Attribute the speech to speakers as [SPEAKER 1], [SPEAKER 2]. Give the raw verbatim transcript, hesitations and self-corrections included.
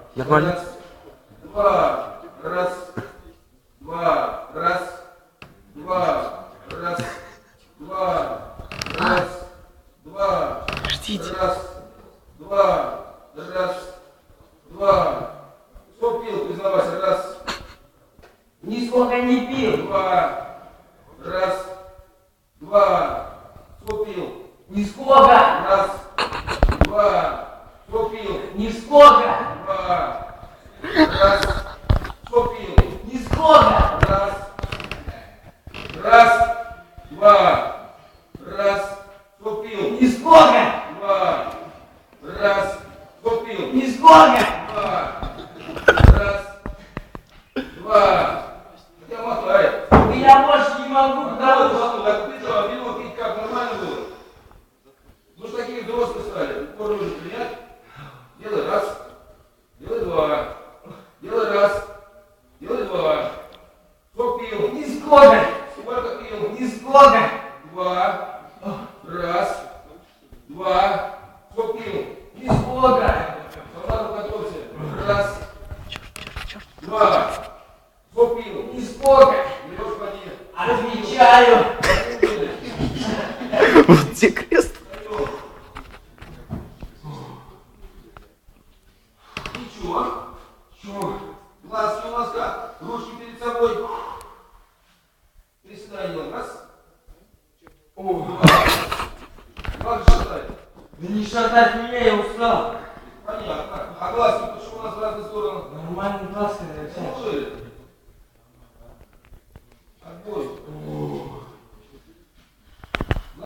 [SPEAKER 1] Нормально?
[SPEAKER 2] Раз, два, раз, два, раз, два, раз, два, раз, два,
[SPEAKER 1] Ждите.
[SPEAKER 2] раз, два, раз, два. Сколько пил, признавайся, раз.
[SPEAKER 3] Нисколько не пил.
[SPEAKER 2] Два, раз, два. Сколько пил?
[SPEAKER 3] Нисколько.
[SPEAKER 2] Раз, два. Сколько пил?
[SPEAKER 3] Нисколько.
[SPEAKER 2] Два, раз. Сколько пил?
[SPEAKER 3] Нисколько.
[SPEAKER 2] Раз, раз, два, раз. Сколько пил?
[SPEAKER 3] Нисколько.
[SPEAKER 2] Два, раз. Сколько пил?
[SPEAKER 3] Нисколько.
[SPEAKER 2] Два, раз, два. Хотя мотает.
[SPEAKER 3] Я больше не могу,
[SPEAKER 2] Да,
[SPEAKER 3] потому что...
[SPEAKER 2] вот, так ты что, пиво пить как нормально было? Ну что такие взрослые стали, упор нужно принять. Делай раз, делай два, делай раз, делай два. Сколько пил?
[SPEAKER 3] Нисколько.
[SPEAKER 2] Сколько пил?
[SPEAKER 3] Нисколько.
[SPEAKER 2] Два, раз, два. Сколько пил?
[SPEAKER 3] Нисколько.
[SPEAKER 2] Солдату готовься. Раз, два. Сколько пил?
[SPEAKER 3] Нисколько.
[SPEAKER 2] Берешь поди.
[SPEAKER 3] Отвечаю.
[SPEAKER 1] Вот где крест.
[SPEAKER 2] Ничего. Чего? Глазки у нас как? Ручки перед собой. Приседай делаем. Раз. О, два. Как же шатать?
[SPEAKER 3] Да не шатать меня, я устал.
[SPEAKER 2] Понятно. А глазки почему у нас в разные стороны?
[SPEAKER 3] Нормальный глаз, Александр.
[SPEAKER 2] Ну,